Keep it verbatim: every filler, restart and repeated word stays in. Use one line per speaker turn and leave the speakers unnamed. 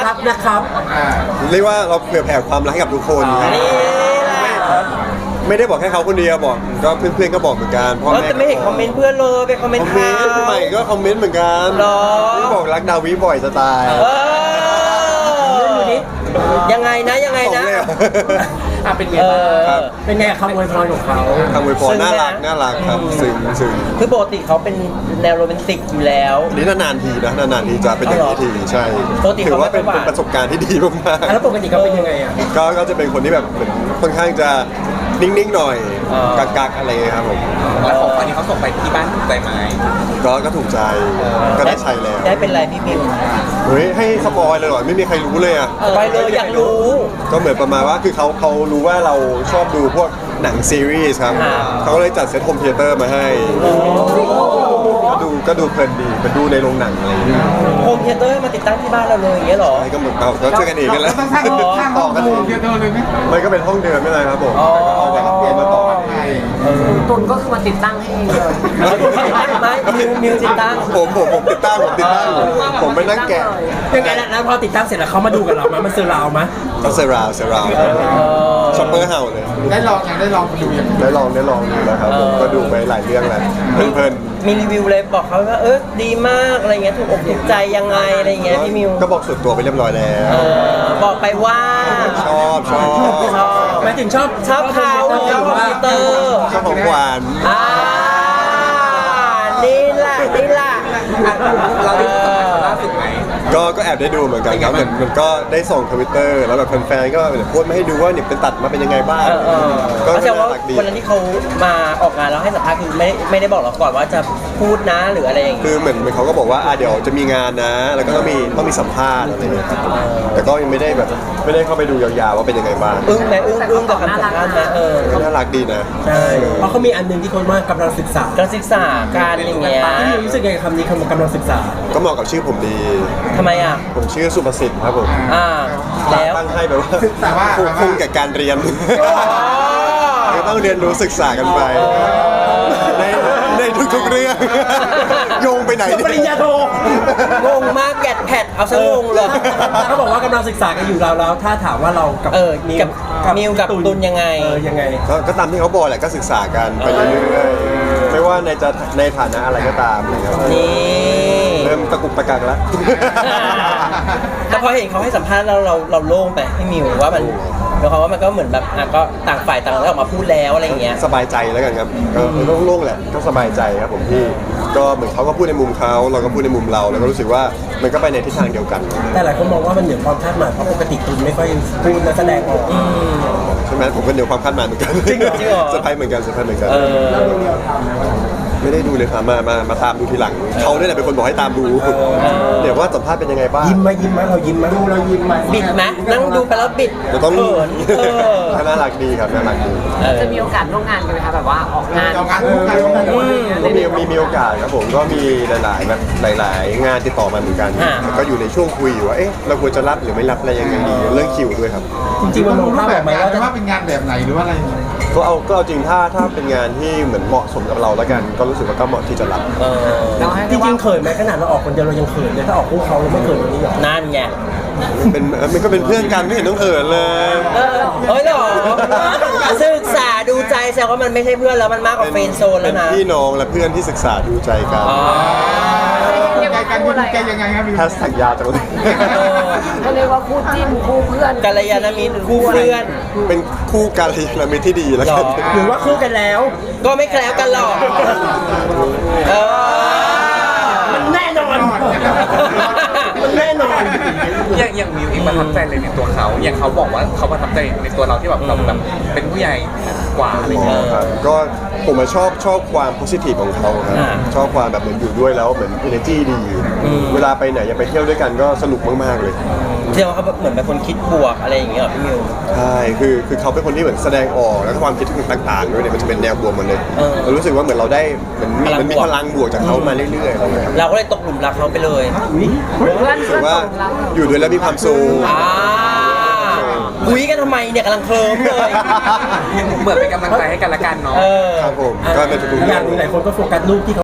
รักนะครับ
เรียกว่าเราเผื่อแผ่ความรักให้กับทุกคนครับไม่ได้บอกแค่เขาคนเดียวบอกก็เพื่อนๆก็บอกเหมือนกันพ่อแม่
แต่ไม่เห็นคอมเมนต์เพื่อนเลยไปคอมเมน
คอ
ต์
มเม
เขา
นต์ใหม่ก็คอมเมนต์เหมือนกัน
หรอ
ที่บอกรักดาวิบ่อยจะตาย
เออยังไงนะยังไง
ของ
นะ
เลยเหรอ
อ่ะเป็นไงบ้างครับเป็นไงคำอวยพรของเขา
คำอวยพรน่ารักน่ารักครับซึ้งซึ้ง
คือปกติเขาเป็นแนวโรแมนติกอยู่แล้ว
นี่นานๆทีนะนานๆทีจะเป็นอย่างนี้ทีใช่
ปกติ
ถื
เขา
อว่าเป็น
ไม่ค่อยหวาน
เป็นประสบการณ์ที่ดีมาก
แล้วปกติเขาเป็นยังไงอ่ะ
ๆก็ก็จะเป็นคนที่แบบเหมือนค่อนข้างจะนิ่งๆหน่อยกักๆอะไรอย่างเงี้ยครับผม
แล้วของขวัญที่เขาส่งไปที่บ้านถูกใจไหม
ก็ก็ถูกใจก็ได้ใช้แล้ว
ได้เป็นไรพี่มิว
เฮ้ยให้สปอยเลยเหรอไม่มีใครรู้เลยอ่ะ
ไปเลยอยากรู้
ก็เหมือนประมาณว่าคือเขาเขารู้ว่าเราชอบดูพวกหนังซีรีส์ครับ
อ่า
เขาก็เลยจัดเซตโฮมเธียเตอร์มาให้ก็ดูก็ดูเพลินดีมันดูในโรงหนังอะไรอย่างเงี้ย
โฮมเธียเตอร์มาติดตั้งที่บ้านเราเลยอย่างเงี้ยเหรอ
ใช่ก็เหมือนเราก็ช่วยกันเองกันแล้ว
ต้องสร้างสร้างห้องดูเดียวเลยไหม
มันก็เป็นห้องเดิมไม่เป็นไรครับผม
อ๋อ
เอาแบบเปลี่ยนมาต่อ
ตุนก็คือมาติดตั้งให้เองเลย
ไม่มิวมิวติดตั้ง
ผมผมผมติดตั้งผมติดตั้งผมไปนั่งแกะ
ยังไงนะแล้วพอติดตั้งเสร็จแล้วเขามาดูกับเราไหมมันเซอร์ราวไหม
ก็เซราวเซราวช็อปเปอร์เห่าเลย
ได้ลองยังได้ลองดูยัง
ได้ลองได้ลองดูแล้วครับผมก็ดูไปหลายเรื่องแล้วเพลิน
มีรีวิวเลยบอกเขาว่าเออดีมากอะไรเงี้ยถูกอกถูกใจยังไงอะไรเงี้ยพี่มิว
ก็บอกส่วนตัวไปเรียบร้อยแล้ว
เออบอกไปว่า
ชอบชอบ
ชอบ
หมายถึงชอบ
ชอบเขาชอบคอมพิวเตอร์
ชอบของหวาน
อ่านี่แหละนี่แหละ
เราได้สัมผัสล่าสุดไหม
ก็ก็แอบได้ดูเหมือนกันครับเหมือนมันก็ได้ส่งทวิตเตอร์แล้วแบบแฟนๆก็โพสต์มาให้ดูว่าเนี่ยเป็นตัดมาเป็นยังไงบ้าง
เออเออ
ก็
ก็แสดงว่า
น่ารักดี
วันนั้นที่เขามาออกงานแล้วให้สัมภาษณ์คือไม่ไม่ได้บอกเราก่อนว่าจะพูดนะหรืออะไรอย่างเงี้ย
คือเหมือนเหมือนเขาก็บอกว่าอ่ะเดี๋ยวจะมีงานนะ แล้วก็ต้องมีต้องมีสัมภาษณ์อะไรอย่างเงี้ยครับแต่ก็ยังไม่ได้แบบไม่ได้เข้าไปดูยาวๆว่าเป็นยังไงบ้าง
อึ้งไหมอึ้งอึ้งกับคำสัมภาษณ์นะเออ
น่ารักดีนะ
ใช่เพราะเขามีอันหนึงที่คนว่ากำลังศึกษา
การศึกษาการอย่างเงี้ย
พี่มิวรู้สึกไงกับคำนี้คำว่ากำลังศึกษา
ก็เหมาะกับชื่อผมดี
ทำไมอ่ะ
ผมชื่อสุประสิทธิ์ครับผม
อ่าแล้ว
ตั้งให้แบบว่า
แต่ว่า
คุ้มคุ้มกับการเรียนก็ต้องเรียนรู้ศึกษากันไปในในทุกๆเรื่องโยงไปไหน
ปริญญาโท
งงมากแกดแพดเอาซะงงเลย
เขาบอกว่ากำลังศึกษากันอยู่เราแล้วถ้าถามว่าเรากับ
เออกับมิวกับตุลยังไง
เออยังไง
ก็ก็ตามที่เขาบอกแหละก็ศึกษากันไปเรื่อยๆไม่ว่าในจะในฐานะอะไรก็ตามนะครับ
นี่
เริ่มตะกุกตะกักแล้ว
แต่พอเห็นเขาให้สัมภาษณ์เราเราเราโล่งไปพี่มิวว่ามันหมายความว่ามันก็เหมือนแบบอ่ะก็ต่างฝ่ายต่างออกมาพูดแล้วอะไรอย่างเงี้ย
สบายใจแล้วกันครับก็โล่งๆแหละก็สบายใจครับผมพี่ก็เหมือนเขาก็พูดในมุมเขาเราก็พูดในมุมเราแล้วก็รู้สึกว่ามันก็ไปในทิศทางเดียวกัน
แต่หลายคนมองว่ามันเหนือความคาดหมายเพราะปกติตุนไม่ค่อยพูดและแสดงออก
ใช่ไหมผมก็เดียวความคาดหมายเหมือนกัน
จริงเหรอจริงเหรอ
เซอร์ไพรส์เหมือนกันเซอร์ไพรส์เหมือนกัน
เออ
ไม่ได้ดูเลยครับมามามาตามดูทีหลังเขาเนี่ยแหละเป็นคนบอกให้ตามดูเดี๋ยวว่าสัมภาษณ์เป็นยังไงบ้าง
ยิ้มไหมยิ้มไหมเรายิ้มไหมเรายิ้มไหม
บิดไหมนั่งดูไปแล้วบิด
เดี๋ยวต้อง
เขินเออ
ก็น่ารักดีครับน่ารักดี
เออ
จะมีโอกาสร่วมงานกันไหมคะแบบว่าออกงาน
เอางานคู่กัน
ก็มีมีมีโอกาสครับผมก็มีหลาย ๆ แบบหลาย ๆ งานติดต่อมาเหมือนกัน
อ่า
แต่ก็อยู่ในช่วงคุยอยู่ว่าเอ๊ะเราควรจะรับหรือไม่รับอะไรยังไงดีเรื่องคิวด้วยครับ
จริงๆมันมอง
รู
ภา
ป
พ
แบ
ออบ กไหม
งาน
ว่า
จะว่าเป็นงานแบบไหนหรือว่าอะไร
ก็เอาก็เอาจริงถ้าถ้าเป็นงานที่เหมือนเหมาะสมกับเราแล้วกัน ก็รู้สึกว่าก็เหมาะที่จะรับ
เออ
เราให้
จ
ได้
ริ
ว่าง
ๆเขินไหมขนาดเราออกคนเดียวเรายังเขินเลยถ้าออกคู่เขาเราไม่เขินแบบนี้หรอ
นั่นไง
เป็นเออมันก็เป็นเพื่อนกันไม่เห็นต้องเขินเลย
เออเฮ้ยเหรอศึกษาดูใจแสดงว่ามันไม่ใช่เพื่อนแล้วมันมากกว่าเฟรนด์โซน
เป็
แล้ว
น
นะ
พี่น้องและเพื่อนที่ศึกษาดูใจกัน
อ๋อ
เรียก
ใจ
ว่า
กัน
คู่อะไร
ใจยังไงครับพี่
แฮชแท็กยาวจังเลย
ก็เรียกว่าคู่จิ้นคู่เพื่อน
กัลยาณมิตรคู่เพื่อน
เป็นคู่กัลยาณมิตรที่ดีแล้วกัน
หรอ
หรือว่าคู่กันแล้ว
ก็ไม่แคล้วกันหรอกเออ
มันแน่นอนมันแน่นอน
อย่างอย่างมิวเองประทับใจเลยในตัวเขาอย่างเขาบอกว่าเขาประทับใจในตัวเราที่แบบเราแบบเป็นผู้ใหญ่กว่าอะไรเงี้ย
ครับก็ผมอะชอบชอบความโพสิทีฟของเขาครับ
อ่า
ชอบความแบบเหมือนอยู่ด้วยแล้วเหมือน energy ดี
อืม
เวลาไปไหนอยากไปเที่ยวด้วยกันก็สนุกมากๆเลย
เรียกว่าเขาเหมือนเป็นคนคิดบวกอะไรอย่างเงี้ยเหรอพี่มิว
ใช่คือคือเขาเป็นคนที่เหมือนแสดงออกแล้วก็ความคิดต่างๆด้วยเนี่ยมันจะเป็นแนวบวกหมดเลย
เออ
เรารู้สึกว่าเหมือนเราได้เหมือนมี
พลัง
มันมี
บวก
พลังบวกจากเขามาเรื่อยๆอะไรอย่างเงี้ยครับ
เราก็เลยตกหลุมรักเขาไปเลย
เพื่อน
รู้สึ
เพื่อก น
ว่า
ตกหลัง
อยู่ด้วยแล้วมีความสุข
อ่าคุยกันทำไมเนี่ยกำลังเคลิ้มเลย
เหมือนเป็นกำลังใจให้กันละกันเนาะ
เออ
ครับผมก็ในทุกๆ
อ
เรื่
ย่า
อง ง
หนึ่งหลายคนก็โฟกัสรูปที่เขา